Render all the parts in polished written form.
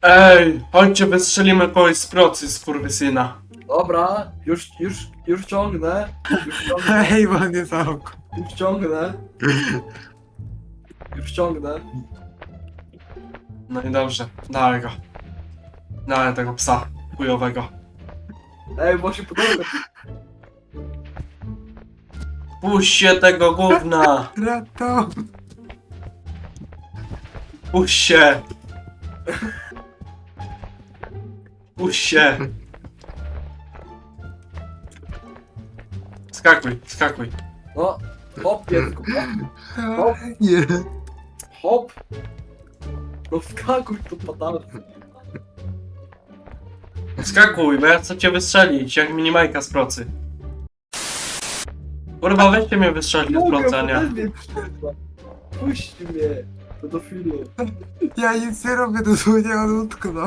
Ej, chodźcie, wystrzelimy kogoś z procy, skurwysyna. Dobra, już ciągnę. Już ciągnę. Hej, man jest auk. Już ciągnę. Już ciągnę. No i dobrze, dawaj go. Dawaj tego psa chujowego. Ej, bo się podoba. Puść się tego gówna! Rato. Puść się! Puść się! Skakuj, skakuj. No, hop, piesku. Nie. Hop. No wskakuj tu padamy. Skakuj, bo ja chcę cię wystrzelić, jak minimajka z procy. Kurwa, weźcie mnie wystrzelić z procy, a nie. Puść mnie. Pedofilu. Ja nic nie robię, dosłownie on utknął.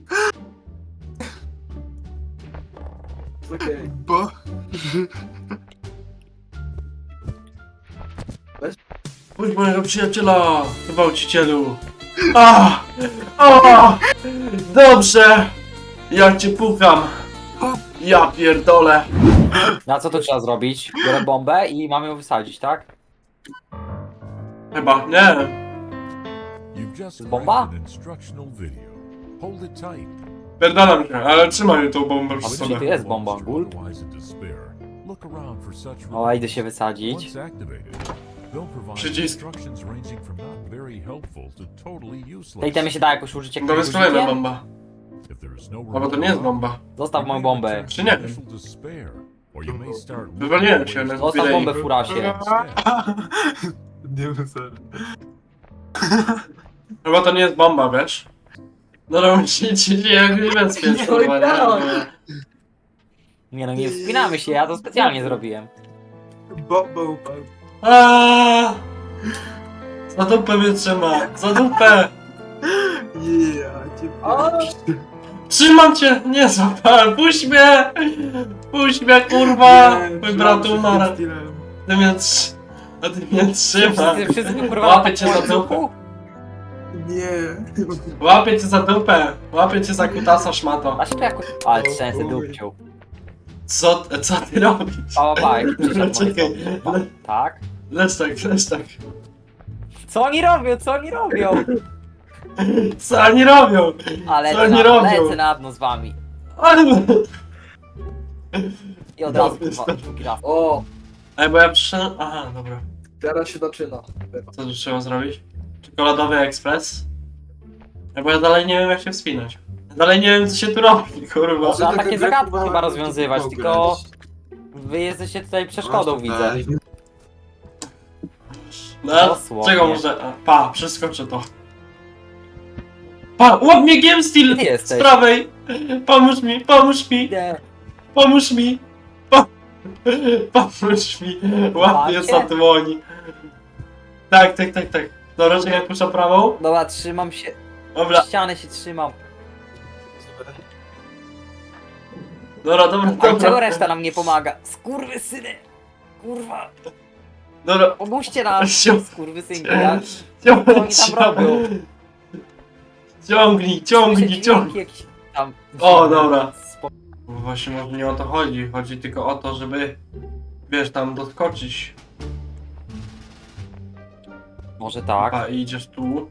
Okej. Bo... Puść mojego przyjaciela, gwałcicielu. A! A! Dobrze! Ja cię pukam. Ja pierdolę. Na co to trzeba zrobić? Biorę bombę i mamy ją wysadzić, tak? Chyba, nie. You've just Bomba? watched an instructional video. Hold it tight. Pierdalam się, ale trzymaj tą bombę przy A czyli to sobie. jest bomba, gul? Otherwise in despair. Look around for such O, idę się wysadzić. Once activated, they'll provide Przycisk. instructions ranging from not very helpful to totally Te useless. itemy się da jakoś użyć jak To jest kolejna użycie? bomba. If there is no A bo to nie jest bomba. Zostaw moją bombę. Czy nie? Initial despair, or you may start looking Wywaliłem for się, ways ale to Zostaw bombę, escape furasie. instead. Nie wiem, sorry. Chyba to nie jest bomba, wiesz? No musicie się jakoś bezpiecznie, kurwa, nie? Nie no, nie wspinamy się, ja to specjalnie zrobiłem. Bomba upadł. Aaaa! Za dupę mnie trzyma, za dupę! Ja cię pierdolę. Trzymam cię! Nie złapałem, puść mnie! Puść mnie, kurwa! Mój brat umarł. Ty mnie a ty mnie trzyma. Wszyscy kurwa Łapię cię za dupę. Nie. Łapię cię za dupę. Łapię cię za kutasa, szmato. Da się to jakoś... Ale trzęsę dupcią. Co ty robisz? Pa, jak przyszedł Czekaj. Tak? Lecz tak, lecz tak. Co oni robią, co oni robią? Co oni robią? Ale Co oni robią? lecę na dno z wami. Ale... I od razu Dobry kurwa, start. drugi raz. O, Ej, bo ja przyszedłem... Aha, dobra. teraz się zaczyna. Co tu trzeba zrobić? Czekoladowy ekspres? Ej, bo ja dalej nie wiem, jak się wspinać. Dalej nie wiem, co się tu robi, kurwa. Trzeba taka takie gra zagadki chyba chyba rozwiązywać, pograć. tylko... Wy jesteście tutaj przeszkodą, widzę. No, Dosłownie. czego muszę... A, pa, przeskoczę to. Pa, łap mnie Gemsteel! Gdzie jesteś? Z prawej! Pomóż mi, pomóż mi, Nie. pomóż mi! Pomóż mi! Łapię Łapię? za dłoni. Tak. Dobra, czekaj, puszczę prawą. Dobra, trzymam się. Dobra, Ściany się trzymam. dobra. A czego reszta nam nie pomaga? Skurwysyny! Kurwa! Dobra, Pomóżcie nam! Sio- Skurwysynki, ja... Co oni tam robią? Ciągnij. Dźwięki jakieś tam... O, dobra. Właśnie może nie o to chodzi. Chodzi tylko o to, żeby... Wiesz, tam doskoczyć. Może tak. A idziesz tu.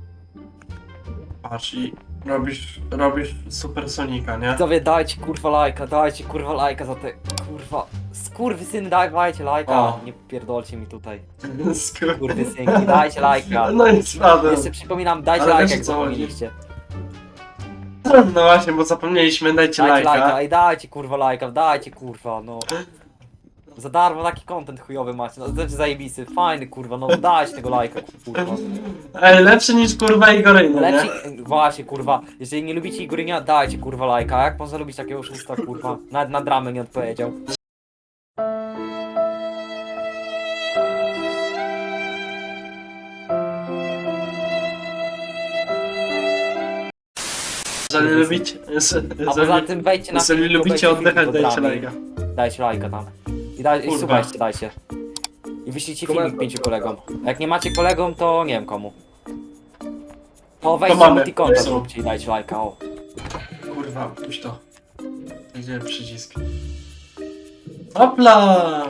Patrz i robisz supersonika, nie? Widzowie, dajcie kurwa lajka za te kurwa... Skurwysyny, dajcie lajka. O. Nie pierdolcie mi tutaj. Skur... Skurwysynki, dajcie lajka. No i spadłem. Jeszcze przypominam, dajcie Ale lajka, wiesz, jak co chodzi? zapomnieliście. No właśnie, bo zapomnieliśmy, dajcie lajka. Ej, dajcie kurwa lajka, dajcie kurwa, no. Za darmo taki content chujowy macie, no to jest zajebisty, fajny kurwa, no dajcie tego lajka kurwa. Ej, lepszy niż kurwa Igoryny, Lepsi, nie? właśnie kurwa, jeżeli nie lubicie Igorynia, dajcie kurwa lajka, a jak można lubić takiego oszusta kurwa, nawet na dramę nie odpowiedział. Jeżeli lubicie... A poza tym wejdźcie na Jeżeli film, lubicie obejrzyjcie oddychać, film do dajcie dramy. lajka. Dajcie lajka tam. I Kurwa. słuchajcie, dajcie. I wyślijcie filmik Komentarz. 5 kolegom. A jak nie macie kolegom, to nie wiem komu. O, weźcie mamy. multi-content róbcie i dajcie lajka, o. Kurwa, puść to. Gdzie przycisk? Hopla!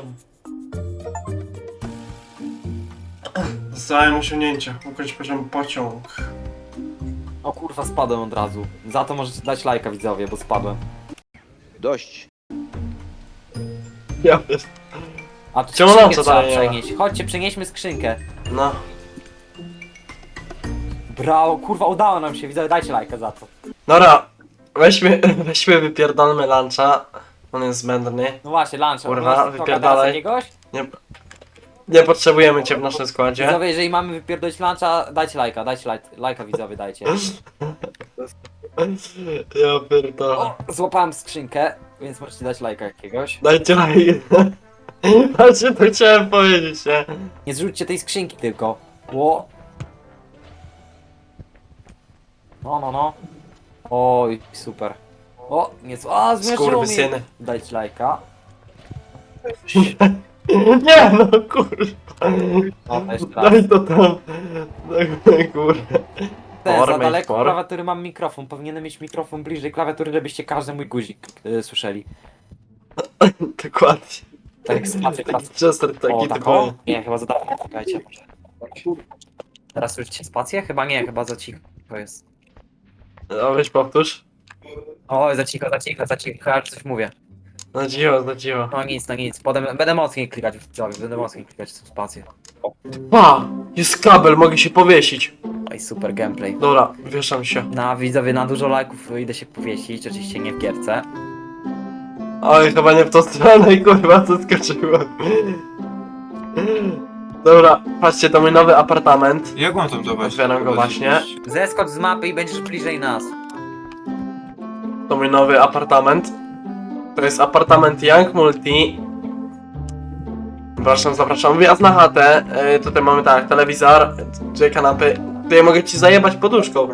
Dostałem osiągnięcie. Ukończ poziom pociąg. O kurwa, spadłem od razu. Za to możecie dać lajka, widzowie, bo spadłem. Dość. Ja wiesz. A tu Czemu skrzynkę nam co trzeba daje? przenieść. Chodźcie, przenieśmy skrzynkę. No. Brawo, kurwa, udało nam się, widzowie, dajcie lajka za to. Dobra, weźmy wypierdolmy luncha. On jest zbędny. No właśnie, lunch. Kurwa, wypierdalaj. jakiegoś? Nie potrzebujemy cię w naszym składzie. Widzowie, jeżeli mamy wypierdolić luncha, dajcie lajka, widzowie, dajcie. Ja pierdolę. O, złapałem skrzynkę, więc możecie dać lajka jakiegoś. Dajcie lajk. Właśnie to chciałem powiedzieć, nie? Nie zrzućcie tej skrzynki tylko. Ło. No. Oj, super. O, nie co. A, zmierzyło mnie. Skurwysyny. Dajcie lajka. Nie no, kurwa. O, jeszcze raz. Daj to tam. Daj, kurwa. Za Formy, daleko form. klawiatury mam mikrofon. Powinienem mieć mikrofon bliżej klawiatury, żebyście każdy mój guzik słyszeli. Dokładnie. Tak jak spację teraz. Chester taki O, tak typowy. o? Nie, chyba za daleko. Czekajcie. Teraz słyszycie spację? Chyba nie, chyba za cicho jest. No weź powtórz. O, za cicho, ja już coś mówię. No cicho. No nic. Potem będę mocniej klikać w widzowie, będę mocniej klikać w spację. Pa! Jest kabel, mogę się powiesić. Oj, super gameplay. Dobra, wieszam się. Na widzowie, na dużo lajków idę się powiesić, oczywiście nie w gierce. Oj, chyba nie w tą stronę, kurwa, zaskoczyłem. Dobra, patrzcie, to mój nowy apartament. Jak mam tam zobaczyć? Otwieram go właśnie. Zeskocz z mapy i będziesz bliżej nas. To mój nowy apartament. To jest apartament Young Multi. Zapraszam. Wjazd na chatę. Tutaj mamy tak, telewizor, dwie kanapy. Tutaj mogę ci zajebać poduszką.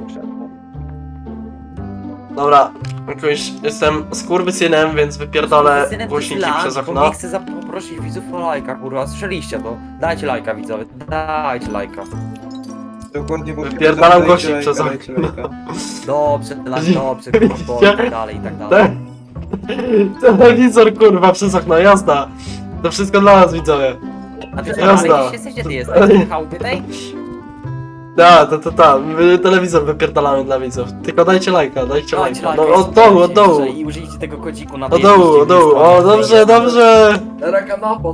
Dobra, jakoś jestem skurwysynem, więc wypierdolę Synem, głośniki to jest przez lunch, bo okno. nie chcę zaprosić widzów o lajka, kurwa, słyszeliście to. Dajcie lajka, widzowie, dajcie lajka. Dokładnie, bo Wypierdalam gości przez okno. Dobrze, dobrze, kurwa, i tak dalej, i tak dalej. Telewizor, kurwa, przez okno, jazda. To wszystko dla nas, widzowie. A ty Jazda. ale jesteś, gdzie ty jesteś? W chałupie tej? Da, my telewizor wypierdalamy dla widzów. Tylko dajcie lajka, dajcie Dajcie lajka. lajka, No od dołu, od dołu. I użyjcie tego kodziku na Od dołu. O, dobrze. Teraz kanapa.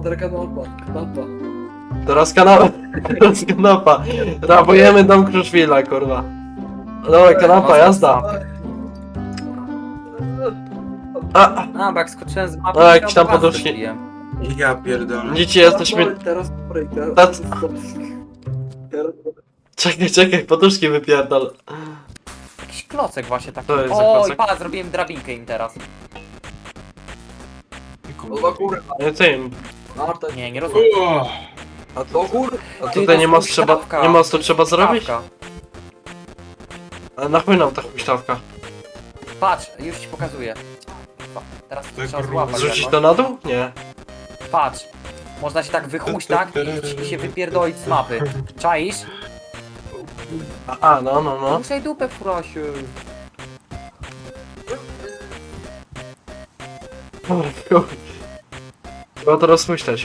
Teraz kanapa. Rabujemy dom Kruszwila, kurwa. Dobra, kanapa, jazda. A, A, bo jak skoczyłem z mapy, A, to jakieś tam od razu poduszki. zrobiłem. Ja pierdolę. dzieci jesteśmy... Teraz Tac- teraz. Czekaj, poduszki wypierdol. Jakiś klocek właśnie taki. To jest za O, klocek? i patrz, zrobiłem drabinkę im teraz. No do góry. Nie tym. Marta. Nie rozumiem. A Do góry. a tutaj nie ma co trzeba zrobić? Stawka. A na chuj nam ta huśtawka? Patrz, już ci pokazuję. Teraz to Tak trzeba kurwa. złapać. Zrzucić jakoś. to na dół? Nie. Patrz. Można się tak wychuść, tak? I się wypierdolić z mapy. Czaisz? A, no. Ruszaj dupę, furasiu. Trzeba to rozpuścić.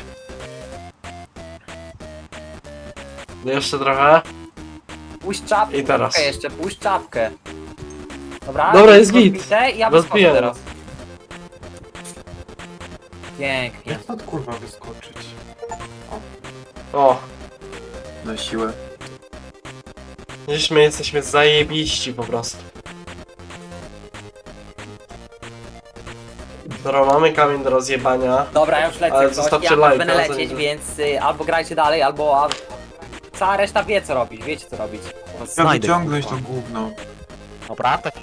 Jeszcze trochę. Puść czapkę. I teraz. Czapkę jeszcze, puść czapkę. Dobra, Dobra, jest git. rozbite i ja Rozbijemy. wyskoczę teraz. Pięknie. Jak to kurwa wyskoczyć? O, Na siłę. dziś my jesteśmy zajebiści po prostu. Dobra, mamy kamień do rozjebania. Dobra, ja już lecę. Ale ktoś. zostawcie Ja lajka, będę lecieć, zanim- więc albo grajcie dalej, albo... Cała reszta wie co robić, wiecie co robić. Ja wyciągnąć to gówno. Dobra, tak.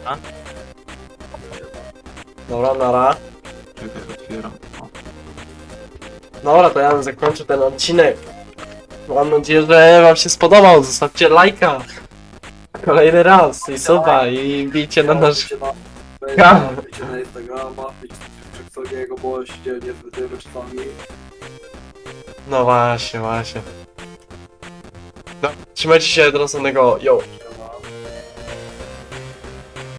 Dobra, nara. Czekaj, otwieram. O. Dobra, to ja zakończę ten odcinek. Mam nadzieję, że wam się spodobał. Zostawcie lajka. Kolejny raz i suba i bijcie na nasz... Wejdzie na Instagrama, Czeksogiego, bo się niezbyt czasami. No właśnie. Trzymajcie się do następnego. Yo.